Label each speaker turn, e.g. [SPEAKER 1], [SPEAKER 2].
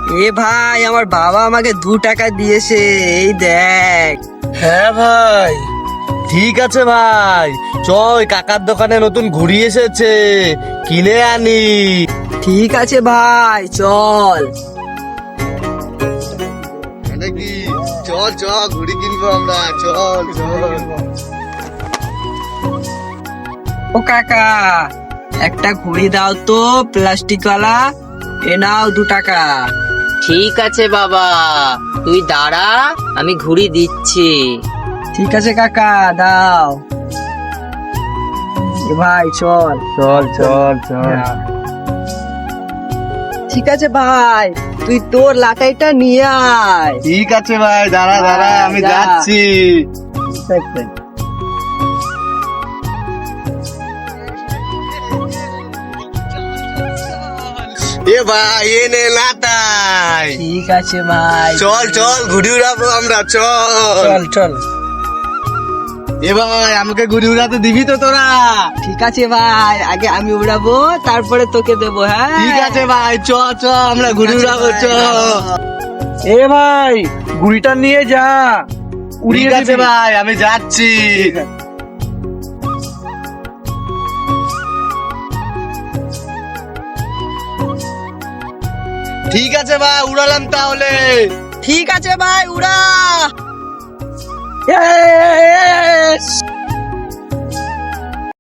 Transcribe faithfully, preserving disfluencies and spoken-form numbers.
[SPEAKER 1] এ ভাই, আমার বাবা আমাকে দু টাকা দিয়েছে, এই দেখ।
[SPEAKER 2] হ্যাঁ ভাই, ঠিক আছে ভাই, চল কাকার দোকানে নতুন ঘুড়ি এসেছে, কিনে আনি।
[SPEAKER 1] ঠিক আছে ভাই, চল।
[SPEAKER 2] নাকি চল চল ঘুড়ি কিনবো আমরা, চল চল।
[SPEAKER 1] ও কাকা, একটা ঘুড়ি দাও তো, প্লাস্টিক ওয়ালা। এ নাও দু টাকা।
[SPEAKER 3] ঠিক আছে বাবা, তুই দাঁড়া, আমি ঘুড়ি দিচ্ছি।
[SPEAKER 1] ঠিক আছে কাকা, দাও। এ ভাই চল।
[SPEAKER 2] চল চল চল।
[SPEAKER 1] ঠিক আছে ভাই, তুই তোর লাটাইটা নিয়ে আয়।
[SPEAKER 2] ঠিক আছে ভাই, দাঁড়া দাঁড়া, আমি
[SPEAKER 1] যা।
[SPEAKER 2] যাচ্ছি। এ ভাই, এ নে লাটাই।
[SPEAKER 1] ঠিক আছে ভাই,
[SPEAKER 2] চল চল ঘুড়ি উড়াবো আমরা, চল।
[SPEAKER 1] চল চল।
[SPEAKER 2] এ ভাই, আমাকে ঘুড়ি উড়াতে দিবি তো তোরা?
[SPEAKER 1] ঠিক আছে ভাই, আগে আমি উড়াবো, তারপরে তোকে দেবো। হ্যাঁ
[SPEAKER 2] ঠিক আছে ভাই, চ চ আমরা ঘুড়ি
[SPEAKER 1] ঠিক আছে
[SPEAKER 2] উড়াবো, চ।
[SPEAKER 1] ভাই,
[SPEAKER 4] এ ভাই, ঘুড়িটা নিয়ে যা, উড়িয়ে
[SPEAKER 2] ঠিক আছে
[SPEAKER 4] দিবি।
[SPEAKER 2] ভাই, আমি যাচ্ছি। ঠিক আছে ভাই, উড়ালাম তাহলে।
[SPEAKER 1] ঠিক আছে ভাই, উড়া। Yes!